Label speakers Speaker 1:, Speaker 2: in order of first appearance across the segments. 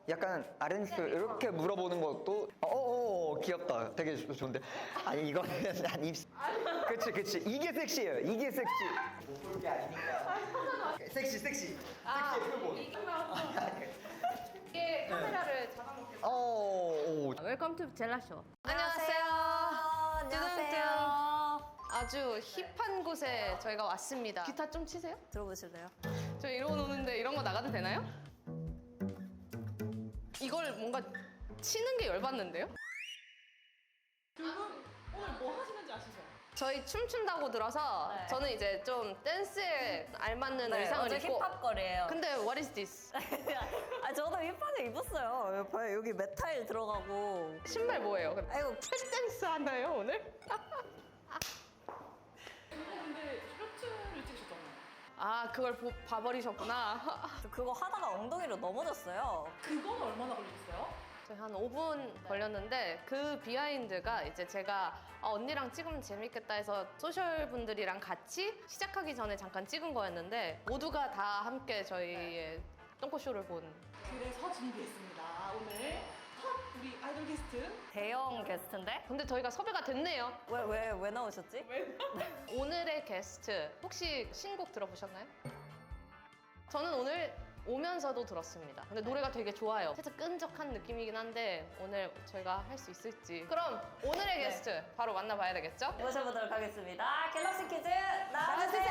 Speaker 1: 약간 아렌스 이렇게 물어보는 것도 귀엽다. 되게 좋은데. 아니 이거는 난 입. 그치 이게 섹시해요. 이게 섹시. 못 볼 게 아니니까. 섹시. 섹시의 표본.
Speaker 2: 이게 카메라를 잡아먹겠습니다.
Speaker 3: 웰컴 투 젤라쇼.
Speaker 2: 안녕하세요. 아주 힙한 곳에 저희가 왔습니다. 기타 좀 치세요?
Speaker 3: 들어보실래요?
Speaker 2: 저 이러고 노는데 이런 거 나가도 되나요? 이걸 뭔가 치는 게 열받는데요?
Speaker 4: 오늘 뭐 하시는지 아시죠?
Speaker 2: 저희 춤춘다고 들어서
Speaker 3: 네.
Speaker 2: 저는 이제 좀 댄스에 알맞는 의상을
Speaker 3: 완전
Speaker 2: 입고
Speaker 3: 힙합거리예요.
Speaker 2: 근데 what is this?
Speaker 3: 아 저도 힙하게 입었어요. 봐요 여기 메탈 들어가고.
Speaker 2: 신발 뭐예요?
Speaker 3: 아이고
Speaker 2: 댄스 하나요 오늘?
Speaker 4: 근데 셔츠를 찍으셨잖아요.
Speaker 2: 아 그걸 봐버리셨구나.
Speaker 3: 저 그거 하다가 엉덩이로 넘어졌어요.
Speaker 4: 그건 얼마나 걸리셨어요?
Speaker 2: 저희 한 5분 걸렸는데 그 비하인드가 이제 제가 언니랑 찍으면 재밌겠다 해서 소셜 분들이랑 같이 시작하기 전에 잠깐 찍은 거였는데 모두가 다 함께 저희의 똥꼬쇼를 본.
Speaker 4: 그래서 준비했습니다. 오늘 첫 우리 아이돌 게스트
Speaker 3: 대형 게스트인데?
Speaker 2: 근데 저희가 섭외가 됐네요.
Speaker 3: 왜 나오셨지?
Speaker 2: 오늘의 게스트 혹시 신곡 들어보셨나요? 저는 오늘 오면서도 들었습니다. 근데 노래가 되게 좋아요. 살짝 끈적한 느낌이긴 한데 오늘 저희가 할 수 있을지. 그럼 오늘의 게스트 바로 만나봐야 되겠죠?
Speaker 3: 모셔보도록 하겠습니다. 갤럭시 퀴즈 나와주세요.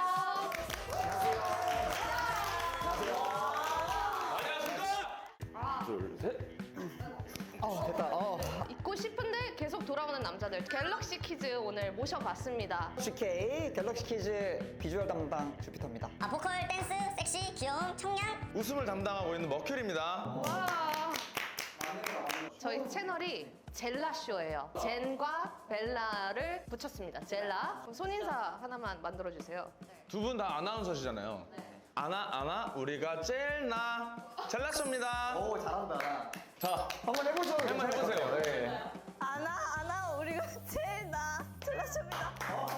Speaker 1: 됐다.
Speaker 2: 잊고 싶은데 계속 돌아오는 남자들 갤럭시 퀴즈 오늘 모셔봤습니다.
Speaker 1: GK 갤럭시 키즈 비주얼 담당 주피터입니다.
Speaker 5: 보컬, 댄스, 섹시, 귀여움, 청량.
Speaker 6: 웃음을 담당하고 있는 머큐리입니다.
Speaker 2: 와. 저희 채널이 젤라쇼예요. 젠과 벨라를 붙였습니다. 젤라. 그럼 손인사 하나만 만들어주세요.
Speaker 6: 두 분 다 아나운서시잖아요. 아나 우리가 제일 젤라쇼입니다.
Speaker 1: 오 잘한다.
Speaker 6: 자,
Speaker 1: 한번 해보죠.
Speaker 6: 한번 해보세요.
Speaker 1: 네.
Speaker 3: 아나 우리가 제일 젤라쇼입니다.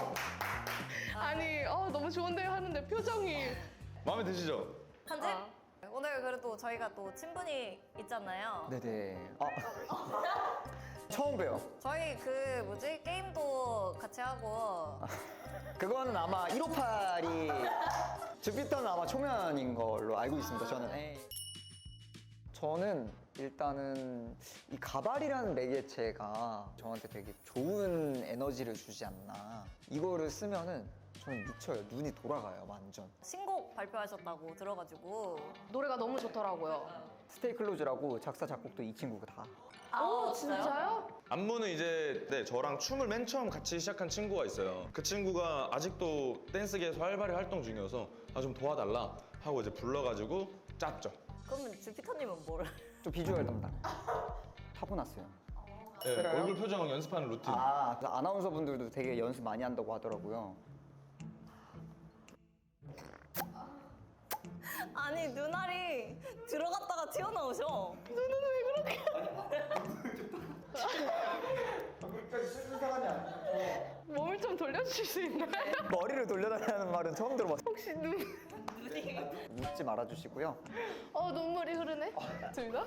Speaker 2: 아니 너무 좋은데요 하는데 표정이.
Speaker 6: 마음에 드시죠?
Speaker 3: 편집? 오늘 그래도 저희가 또 친분이 있잖아요.
Speaker 1: 네네. 처음 봬요.
Speaker 3: 저희 게임도 같이 하고
Speaker 1: 그거는 아마 158이 주피터는 아마 초면인 걸로 알고 있습니다. 저는 일단은 이 가발이라는 매개체가 저한테 되게 좋은 에너지를 주지 않나. 이거를 쓰면은 저는 미쳐요. 눈이 돌아가요, 완전.
Speaker 3: 신곡 발표하셨다고 들어가지고
Speaker 2: 노래가 너무 좋더라고요.
Speaker 1: 스테이 클로즈라고 작사 작곡도 이 친구가 다.
Speaker 2: 오 진짜요?
Speaker 6: 안무는 이제 저랑 춤을 맨 처음 같이 시작한 친구가 있어요. 그 친구가 아직도 댄스계에서 활발히 활동 중이어서 좀 도와달라 하고 이제 불러가지고 짰죠.
Speaker 3: 그러면 주피터님은 뭐를?
Speaker 1: 좀 비주얼 담당. 타고났어요.
Speaker 6: 네,
Speaker 1: 그래요?
Speaker 6: 얼굴 표정 연습하는 루틴.
Speaker 1: 그래서 아나운서 분들도 되게 연습 많이 한다고 하더라고요.
Speaker 3: 아니 눈알이 들어갔다가 튀어나오셔.
Speaker 2: 몸을 좀 돌려주실 수 있나요?
Speaker 1: 머리를 돌려달라는 말은 처음 들어봤어요. 혹시 묻지 말아주시고요.
Speaker 2: 눈물이 흐르네. 둘다?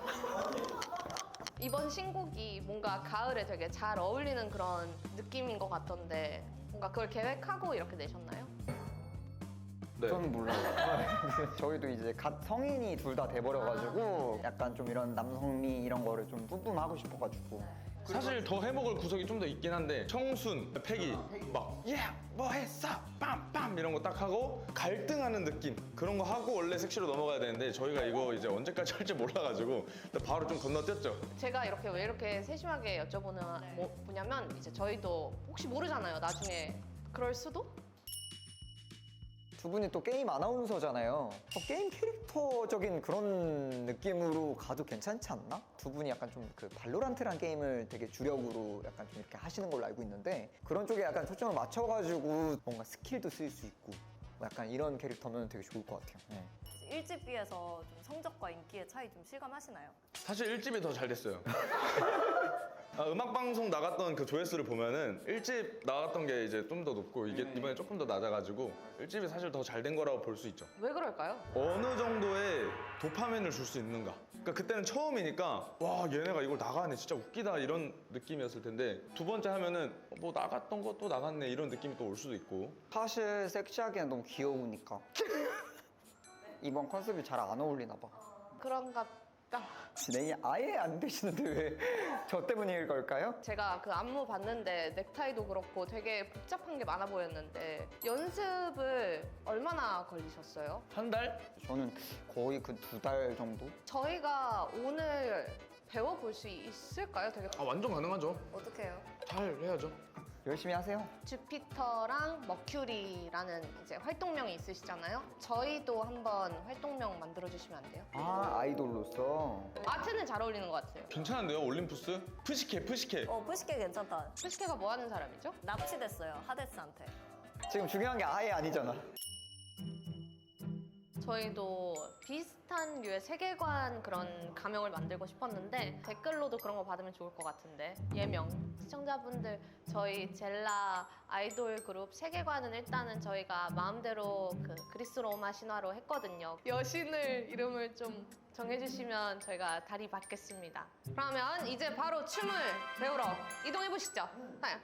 Speaker 2: 이번 신곡이 뭔가 가을에 되게 잘 어울리는 그런 느낌인 것 같던데 뭔가 그걸 계획하고 이렇게 내셨나요?
Speaker 6: 네.
Speaker 1: 저는 몰라요. 저희도 이제 갓 성인이 둘 다 돼버려가지고 약간 좀 이런 남성미 이런 거를 좀 뿜뿜하고 싶어가지고.
Speaker 6: 사실 더 해먹을 구석이 좀 더 있긴 한데 청순, 패기, 막 뭐 했어? 빰빰 이런 거 딱 하고 갈등하는 느낌 그런 거 하고 원래 섹시로 넘어가야 되는데 저희가 이거 이제 언제까지 할지 몰라가지고 바로 좀 건너뛰었죠.
Speaker 2: 제가 왜 이렇게 세심하게 여쭤보는 뭐냐면 이제 저희도 혹시 모르잖아요. 나중에 그럴 수도?
Speaker 1: 두 분이 또 게임 아나운서잖아요. 게임 캐릭터적인 그런 느낌으로 가도 괜찮지 않나? 두 분이 약간 좀 그 발로란트란 게임을 되게 주력으로 약간 좀 이렇게 하시는 걸로 알고 있는데 그런 쪽에 약간 초점을 맞춰가지고 뭔가 스킬도 쓸 수 있고 뭐 약간 이런 캐릭터면 되게 좋을 것 같아요. 네.
Speaker 3: 1집비에서 좀 성적과 인기의 차이 좀 실감하시나요?
Speaker 6: 사실 1집이 더 잘 됐어요. 음악 방송 나갔던 그 조회수를 보면은 1집 나갔던 게 이제 좀 더 높고 이게 이번에 조금 더 낮아가지고 1집이 사실 더 잘 된 거라고 볼 수 있죠.
Speaker 2: 왜 그럴까요?
Speaker 6: 어느 정도의 도파민을 줄 수 있는가. 그러니까 그때는 처음이니까 와 얘네가 이걸 나가네 진짜 웃기다 이런 느낌이었을 텐데 두 번째 하면은 뭐 나갔던 거 또 나갔네 이런 느낌이 또 올 수도 있고.
Speaker 1: 사실 섹시하기엔 너무 귀여우니까. 이번 컨셉이 잘 안 어울리나 봐.
Speaker 2: 그런가 봐.
Speaker 1: 진행이 아예 안 되시는데 왜 저 때문일 걸까요?
Speaker 2: 제가 그 안무 봤는데 넥타이도 그렇고 되게 복잡한 게 많아 보였는데 연습을 얼마나 걸리셨어요?
Speaker 6: 한 달?
Speaker 1: 저는 거의 그 2달 정도?
Speaker 2: 저희가 오늘 배워볼 수 있을까요? 되게
Speaker 6: 아 완전 가능하죠.
Speaker 2: 어떻게 해요?
Speaker 6: 잘 해야죠.
Speaker 1: 열심히 하세요.
Speaker 2: 주피터랑 머큐리라는 이제 활동명이 있으시잖아요. 저희도 한번 활동명 만들어주시면 안 돼요?
Speaker 1: 아, 아이돌로서.
Speaker 2: 아트는 잘 어울리는 것 같아요.
Speaker 6: 괜찮은데요 올림푸스? 푸시케.
Speaker 3: 푸시케 괜찮다.
Speaker 2: 푸시케가 뭐 하는 사람이죠?
Speaker 3: 납치됐어요, 하데스한테.
Speaker 1: 지금 중요한 게 아예 아니잖아.
Speaker 2: 저희도 비슷한 류의 세계관 그런 가명을 만들고 싶었는데 댓글로도 그런 거 받으면 좋을 것 같은데 예명 시청자분들 저희 젤라 아이돌 그룹 세계관은 일단은 저희가 마음대로 그 그리스 로마 신화로 했거든요. 여신을 이름을 좀 정해주시면 저희가 다리 받겠습니다. 그러면 이제 바로 춤을 배우러 이동해 보시죠. 네.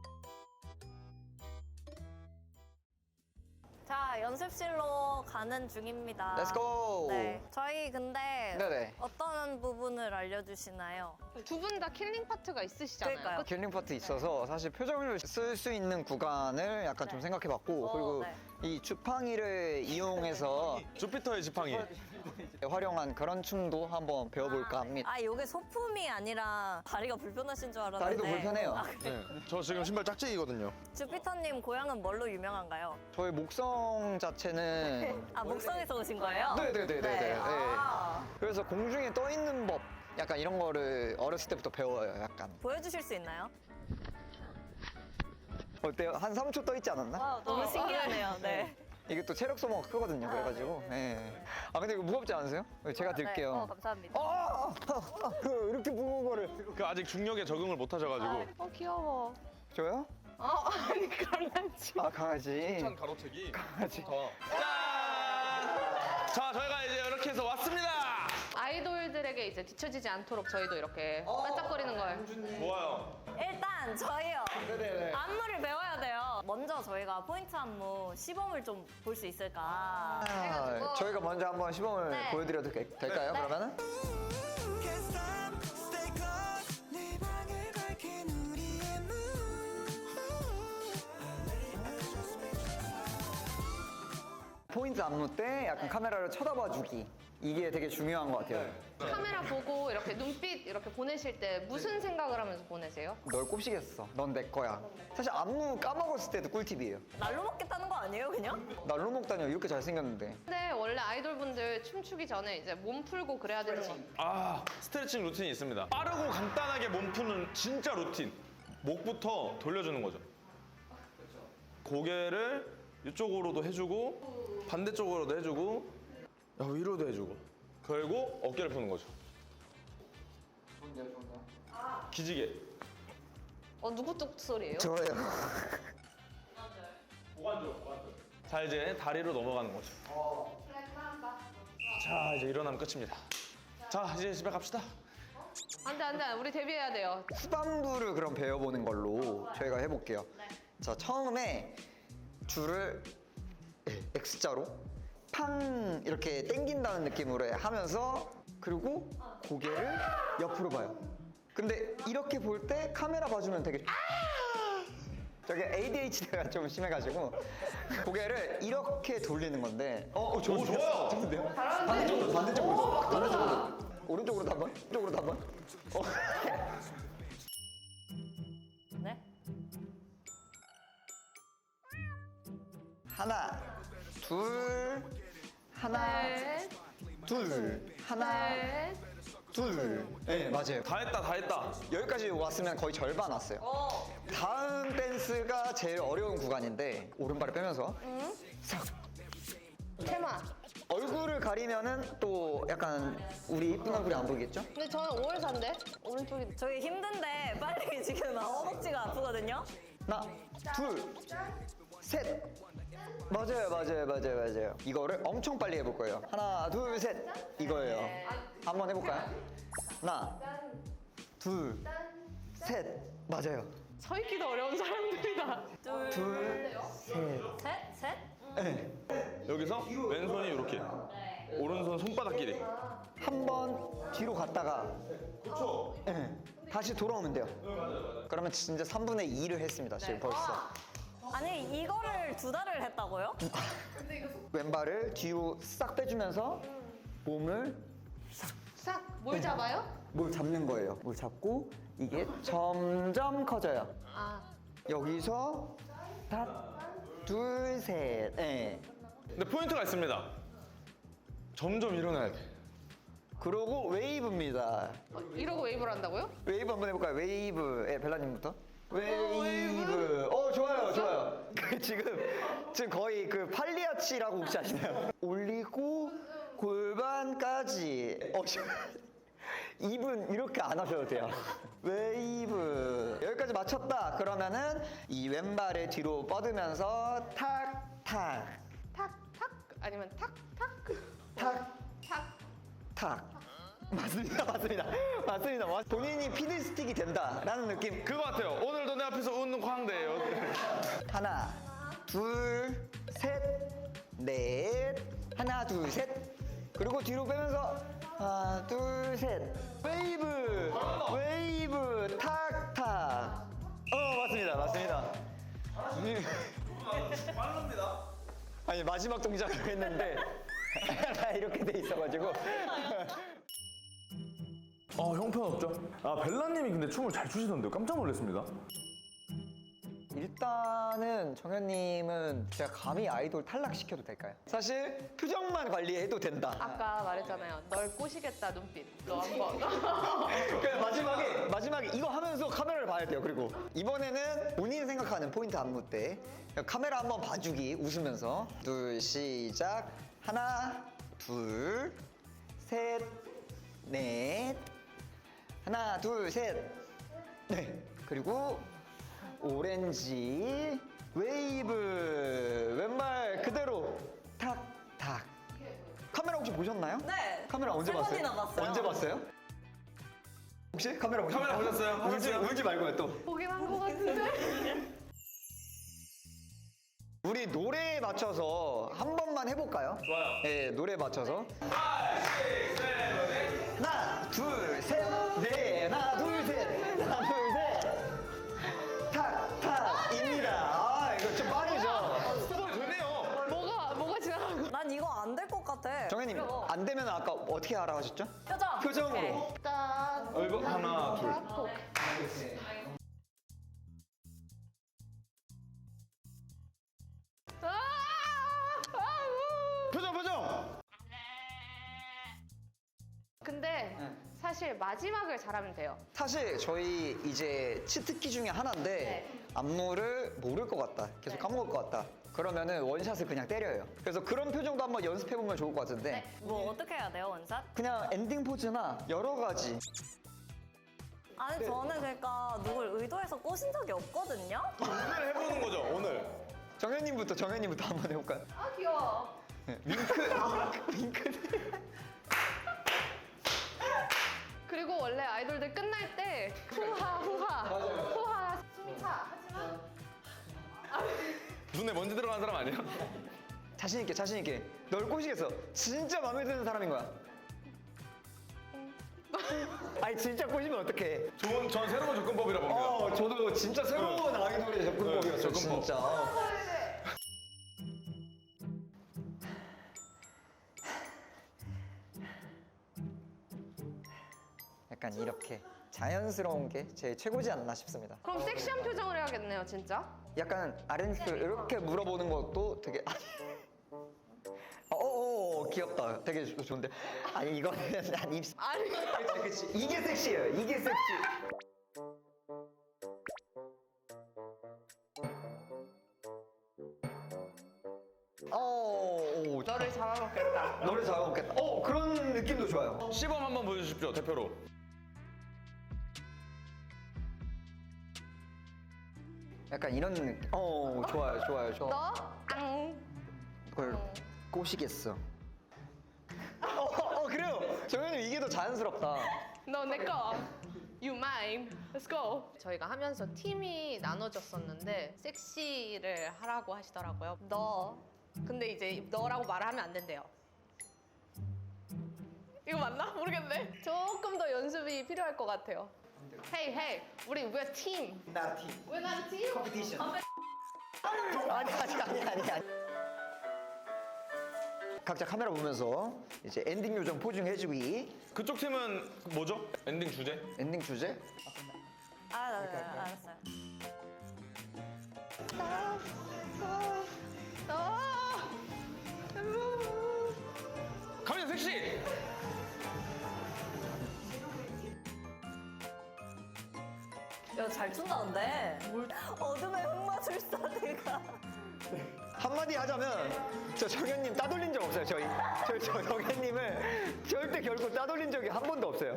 Speaker 3: 자, 연습실로 가는 중입니다.
Speaker 1: Let's go!
Speaker 3: 네. 저희 근데
Speaker 1: 네네.
Speaker 3: 어떤 부분을 알려주시나요?
Speaker 2: 두 분 다 킬링 파트가 있으시잖아요.
Speaker 3: 그러니까요.
Speaker 1: 킬링 파트 있어서 사실 표정을 쓸 수 있는 구간을 약간 좀 생각해봤고 그리고
Speaker 3: 네.
Speaker 1: 이 주팡이를 이용해서
Speaker 6: 주피터의 지팡이.
Speaker 1: 활용한 그런 춤도 한번 배워볼까 합니다.
Speaker 3: 아, 이게 소품이 아니라 다리가 불편하신 줄 알았는데.
Speaker 1: 다리도 불편해요.
Speaker 6: 네. 저 지금 신발 짝짝이거든요.
Speaker 3: 주피터님 고향은 뭘로 유명한가요?
Speaker 1: 저희 목성 자체는
Speaker 3: 아, 목성에서 오신 거예요?
Speaker 1: 네네네네네.
Speaker 3: 네. 아.
Speaker 1: 그래서 공중에 떠 있는 법 약간 이런 거를 어렸을 때부터 배워요. 약간
Speaker 3: 보여주실 수 있나요?
Speaker 1: 어때요? 한 3초 떠 있지 않았나?
Speaker 3: 와, 너무 신기하네요. 네.
Speaker 1: 이게 또 체력 소모가 크거든요. 그래가지고. 네. 아 근데 이거 무겁지 않으세요? 제가 들게요.
Speaker 3: 네. 감사합니다.
Speaker 1: 이렇게 무거운 거를
Speaker 6: 그 아직 중력에 적응을 못 하셔가지고.
Speaker 2: 귀여워.
Speaker 1: 줘요?
Speaker 2: 아니 강아지.
Speaker 1: 아 강아지.
Speaker 6: 가로채기.
Speaker 1: 강아지.
Speaker 6: 짠! 자 저희가 이제 이렇게 해서 왔습니다.
Speaker 2: 아이돌들에게 이제 뒤처지지 않도록 저희도 이렇게 반짝거리는 걸.
Speaker 6: 좋아요.
Speaker 3: 일단 저희요.
Speaker 1: 네네네.
Speaker 3: 안무를 배워야 돼요. 먼저 저희가 포인트 안무 시범을 좀 볼 수 있을까?
Speaker 1: 아, 저희가 먼저 한번 시범을
Speaker 3: 네.
Speaker 1: 보여드려도 될까요?
Speaker 3: 네.
Speaker 1: 그러면은? 포인트 안무 때 약간 카메라를 쳐다봐주기 이게 되게 중요한 것 같아요.
Speaker 2: 카메라 보고 이렇게 눈빛 이렇게 보내실 때 무슨 생각을 하면서 보내세요?
Speaker 1: 널 꼽시겠어. 넌 내 거야. 사실 안무 까먹었을 때도 꿀팁이에요.
Speaker 3: 날로 먹겠다는 거 아니에요, 그냥?
Speaker 1: 날로 먹다니 이렇게 잘생겼는데.
Speaker 2: 근데 원래 아이돌분들 춤추기 전에 이제 몸 풀고 그래야 되는 거.
Speaker 6: 아 스트레칭 루틴이 있습니다. 빠르고 간단하게 몸 푸는 진짜 루틴. 목부터 돌려주는 거죠. 고개를 이쪽으로도 해주고 반대쪽으로도 해주고 위로도 해주고 그리고 어깨를 푸는 거죠. 기지개.
Speaker 2: 누구 뚝 소리예요?
Speaker 1: 저예요.
Speaker 6: 자 이제 다리로 넘어가는 거죠. 자 이제 일어나면 끝입니다. 자 이제 집에 갑시다.
Speaker 2: 안돼 우리 데뷔해야 돼요.
Speaker 1: 후반부를 그럼 배워보는 걸로 저희가 해볼게요. 자 처음에 줄을 X자로 팡 이렇게 당긴다는 느낌으로 하면서 그리고 고개를 옆으로 봐요. 근데 이렇게 볼 때 카메라 봐주면 되게 저게 ADHD가 좀 심해가지고 고개를 이렇게 돌리는 건데
Speaker 6: 좋아요.
Speaker 1: 좋은데요? 반대쪽으로 오른쪽으로 한번 이쪽으로 한번
Speaker 3: 네.
Speaker 1: 하나 둘 하나
Speaker 2: 네.
Speaker 1: 둘 하나
Speaker 2: 네.
Speaker 1: 둘 네 맞아요.
Speaker 6: 다 했다.
Speaker 1: 여기까지 왔으면 거의 절반 왔어요. 다음 댄스가 제일 어려운 구간인데 오른발을 빼면서 싹
Speaker 2: 테마.
Speaker 1: 얼굴을 가리면은 또 약간 우리 이쁜 얼굴이 안 보이겠죠?
Speaker 2: 근데 저는 5월사인데 오른쪽이
Speaker 3: 저희 힘든데 빨리 지금 허벅지가 아프거든요.
Speaker 1: 하나, 둘, 셋. 맞아요. 이거를 엄청 빨리 해볼 거예요. 하나, 둘, 셋. 이거예요. 한번 해볼까요? 하나, 둘, 셋. 맞아요.
Speaker 2: 서 있기도 어려운 사람들이다.
Speaker 1: 둘, 셋.
Speaker 3: 셋, 셋.
Speaker 1: 네.
Speaker 6: 여기서 왼손이 이렇게. 오른손 손바닥 길이.
Speaker 1: 한 번 뒤로 갔다가 네. 다시 돌아오면 돼요. 그러면 진짜 3분의 2를 했습니다. 지금 벌써.
Speaker 3: 아니 이거를 2달을 했다고요?
Speaker 1: 왼발을 뒤로 싹 빼주면서 몸을
Speaker 2: 싹, 뭘 잡아요?
Speaker 1: 뭘 잡는 거예요. 뭘 잡고 이게 점점 커져요.
Speaker 2: 아,
Speaker 1: 여기서 하나, 둘, 셋. 네.
Speaker 6: 근데 포인트가 있습니다. 점점 일어나야 돼.
Speaker 1: 그러고 웨이브입니다.
Speaker 2: 이러고 웨이브를 한다고요?
Speaker 1: 웨이브 한번 해볼까요? 웨이브. 예, 벨라님부터. 웨이브. 좋아요. 지금 거의 그 팔리아치라고 혹시 아시나요? 올리고 골반까지. 입은 이렇게 안 하셔도 돼요. 웨이브. 여기까지 맞췄다. 그러면은 이 왼발을 뒤로 뻗으면서 탁.
Speaker 2: 탁, 탁? 아니면 탁, 탁?
Speaker 1: 탁.
Speaker 2: 탁.
Speaker 1: 탁. 맞습니다. 본인이 피드스틱이 된다라는 느낌.
Speaker 6: 그거 같아요. 오늘도 내 앞에서 웃는 광대예요.
Speaker 1: 하나, 둘, 셋, 넷. 하나, 둘, 셋. 그리고 뒤로 빼면서 하나, 둘, 셋. 웨이브, 탁, 탁. 맞습니다. 아니 마지막 동작을 했는데 이렇게 돼 있어가지고.
Speaker 7: 형편없죠? 벨라님이 근데 춤을 잘 추시던데요. 깜짝 놀랐습니다.
Speaker 1: 일단은 정현님은 제가 감히 아이돌 탈락시켜도 될까요? 사실 표정만 관리해도 된다.
Speaker 2: 아까 말했잖아요. 널 꼬시겠다 눈빛. 너 한번.
Speaker 1: 그러니까 마지막에 이거 하면서 카메라를 봐야 돼요. 그리고 이번에는 본인 생각하는 포인트 안무 때 카메라 한번 봐주기 웃으면서 둘 시작. 하나 둘 셋 넷. 하나 둘 셋 네. 그리고 오렌지 웨이브 왼발 그대로 탁탁. 카메라 혹시 보셨나요?
Speaker 3: 네.
Speaker 1: 카메라 언제
Speaker 3: 세
Speaker 1: 봤어요?
Speaker 3: 번이나 봤어요.
Speaker 1: 언제 봤어요? 혹시 카메라 보셨어요?
Speaker 6: 카메라 보셨어요?
Speaker 1: 울지 말고요 또.
Speaker 2: 보긴 한 것 같은데.
Speaker 1: 우리 노래에 맞춰서 한 번만 해볼까요?
Speaker 6: 좋아요.
Speaker 1: 네, 노래에 맞춰서. 하나, 둘, 셋, 넷. 하나, 둘, 셋. 하나, 둘, 셋. 탁, 탁입니다. 이거 좀 빠르죠?
Speaker 6: 되네요.
Speaker 2: 뭐가 지나간 거?
Speaker 3: 난 이거 안 될 것 같아.
Speaker 1: 정현님,
Speaker 3: 이거.
Speaker 1: 안 되면 아까 어떻게 하라고 하셨죠?
Speaker 3: 표정.
Speaker 1: 표정으로.
Speaker 3: 오케이.
Speaker 2: 짠.
Speaker 6: 얼굴 하나, 둘.
Speaker 1: 표정!
Speaker 2: 근데 사실 마지막을 잘하면 돼요.
Speaker 1: 사실 저희 이제 치트키 중에 하나인데
Speaker 2: 네.
Speaker 1: 안무를 모를 것 같다. 계속 까먹을 것 같다. 그러면은 원샷을 그냥 때려요. 그래서 그런 표정도 한번 연습해보면 좋을 것 같은데
Speaker 3: 뭐 어떻게 해야 돼요, 원샷?
Speaker 1: 그냥 엔딩 포즈나 여러 가지.
Speaker 3: 아니 저는 그러니까 누굴 의도해서 꼬신 적이 없거든요.
Speaker 6: 오늘 해보는 거죠, 오늘.
Speaker 1: 정현님부터 한번 해볼까요?
Speaker 2: 아 귀여워.
Speaker 1: 네, 윙크.
Speaker 2: 그리고 원래 아이돌들 끝날 때 후하 숨차 하지만
Speaker 6: 눈에 먼지 들어간 사람 아니에요?
Speaker 1: 자신 있게. 널 꼬시겠어. 진짜 마음에 드는 사람인 거야. 아니 진짜 꼬시면 어떡해.
Speaker 6: 전 새로운 접근법이라 봅니다.
Speaker 1: 저도 진짜 새로운 아이돌의 접근법이었어요.
Speaker 6: 네, 접근법.
Speaker 1: 진짜. 약간 이렇게 자연스러운 게 제 최고지 않나 싶습니다.
Speaker 2: 그럼 섹시한 표정을 해야겠네요, 진짜.
Speaker 1: 약간 아렌스 이렇게 물어보는 것도 되게 귀엽다. 되게 좋은데. 아니 이거는 한 입.
Speaker 2: 아니.
Speaker 1: 그치. 이게 섹시해요. 이게 섹시.
Speaker 2: 너를 잡아먹겠다.
Speaker 1: 노래 잘 먹겠다. 그런 느낌도 좋아요.
Speaker 6: 시범 한번 보여주십시오, 대표로.
Speaker 1: 약간 이런 느낌. 좋아요, 좋아요, 좋아.
Speaker 2: 너? 앙.
Speaker 1: 그걸 꼬시겠어. 그래요. 정현님 이게 더 자연스럽다.
Speaker 2: 너 내 거. You mine. Let's go. 저희가 하면서 팀이 나눠졌었는데 섹시를 하라고 하시더라고요. 너. 근데 이제 너라고 말을 하면 안 된대요. 이거 맞나? 모르겠네. 조금 더 연습이 필요할 것 같아요. Hey, hey. 우리 we're team.
Speaker 1: 나 팀.
Speaker 2: We're not a team?
Speaker 1: 컴피티션. 아니. 각자 카메라 보면서 이제 엔딩 요정 포징 해주기.
Speaker 6: 그쪽 팀은 뭐죠? 엔딩 주제?
Speaker 1: 엔딩 주제?
Speaker 3: 알았어요.
Speaker 6: 가면 섹시!
Speaker 3: 야, 잘 춘다는데? 어둠의 흑마술사 내가.
Speaker 1: 한마디 하자면 저 정현님 따돌린 적 없어요. 저 정현님을 절대 결국 따돌린 적이 한 번도 없어요.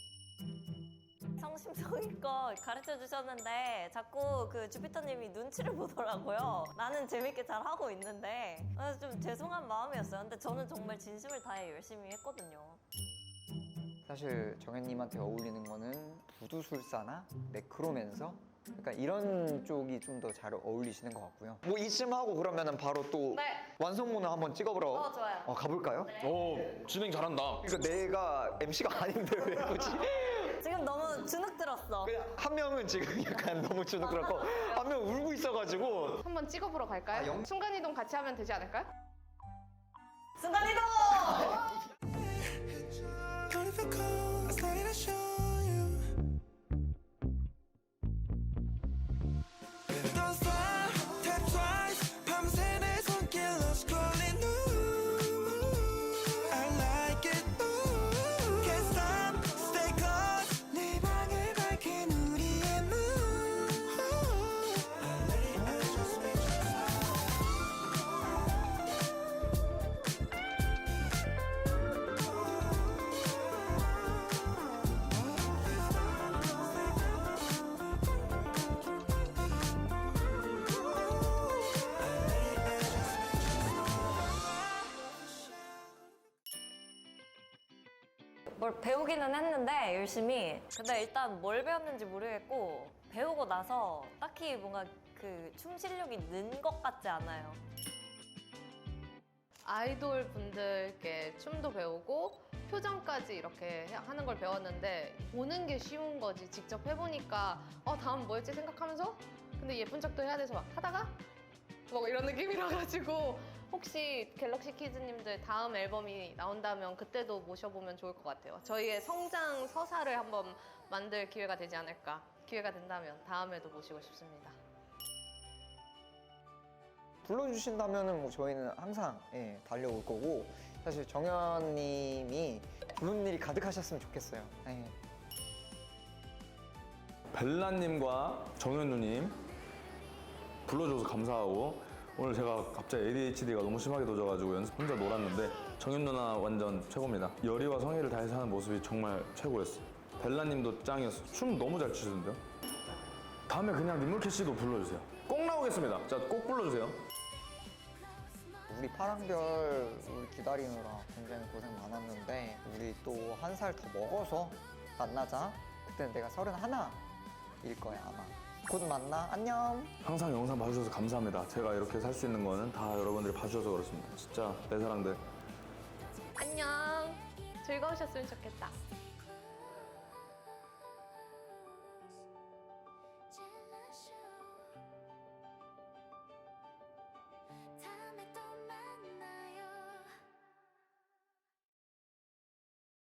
Speaker 3: 성심성의껏 가르쳐 주셨는데 자꾸 그 주피터님이 눈치를 보더라고요. 나는 재밌게 잘 하고 있는데 좀 죄송한 마음이었어요. 근데 저는 정말 진심을 다해 열심히 했거든요.
Speaker 1: 사실 정현님한테 어울리는 거는 부두술사나 네크로맨서? 그러니까 이런 쪽이 좀 더 잘 어울리시는 것 같고요. 뭐 이쯤 하고 그러면은 바로 또
Speaker 2: 네.
Speaker 1: 완성본을 한번 찍어보러
Speaker 2: 좋아요.
Speaker 1: 가볼까요?
Speaker 6: 오, 진행 잘한다.
Speaker 1: 그러니까 내가 MC가 아닌데 왜 굳이?
Speaker 3: 지금 너무 주눅 들었어.
Speaker 1: 그냥 한 명은 지금 약간 너무 주눅 들었고 한 명 울고 있어가지고
Speaker 2: 한번 찍어보러 갈까요? 순간이동 같이 하면 되지 않을까요?
Speaker 3: 순간이동! 뭘 배우기는 했는데 열심히. 근데 일단 뭘 배웠는지 모르겠고 배우고 나서 딱히 뭔가 그 춤 실력이 는 것 같지 않아요.
Speaker 2: 아이돌 분들께 춤도 배우고 표정까지 이렇게 하는 걸 배웠는데 보는 게 쉬운 거지 직접 해보니까 다음 뭐였지 생각하면서 근데 예쁜 척도 해야 돼서 막 하다가 뭐 이런 느낌이라 가지고 혹시 갤럭시 키즈님들 다음 앨범이 나온다면 그때도 모셔보면 좋을 것 같아요. 저희의 성장 서사를 한번 만들 기회가 되지 않을까. 기회가 된다면 다음에도 모시고 싶습니다.
Speaker 1: 불러주신다면은 뭐 저희는 항상 달려올 거고 사실 정현님이 부른 일이 가득하셨으면 좋겠어요.
Speaker 7: 벨라님과 정현 누님 불러줘서 감사하고 오늘 제가 갑자기 ADHD가 너무 심하게 도져가지고 연습 혼자 놀았는데 정현 누나 완전 최고입니다. 열의와 성의를 다해서 하는 모습이 정말 최고였어요. 벨라님도 짱이었어요. 춤 너무 잘 추시던데요. 다음에 그냥 민물캐 씨도 불러주세요. 꼭 나오겠습니다. 자, 꼭 불러주세요.
Speaker 1: 우리 파랑별 우리 기다리느라 굉장히 고생 많았는데 우리 또 한 살 더 먹어서 만나자. 그때는 내가 31일 거야 아마. 곧 만나. 안녕.
Speaker 7: 항상 영상 봐주셔서 감사합니다. 제가 이렇게 살 수 있는 거는 다 여러분들이 봐주셔서 그렇습니다. 진짜 내 사랑들.
Speaker 2: 안녕. 즐거우셨으면 좋겠다.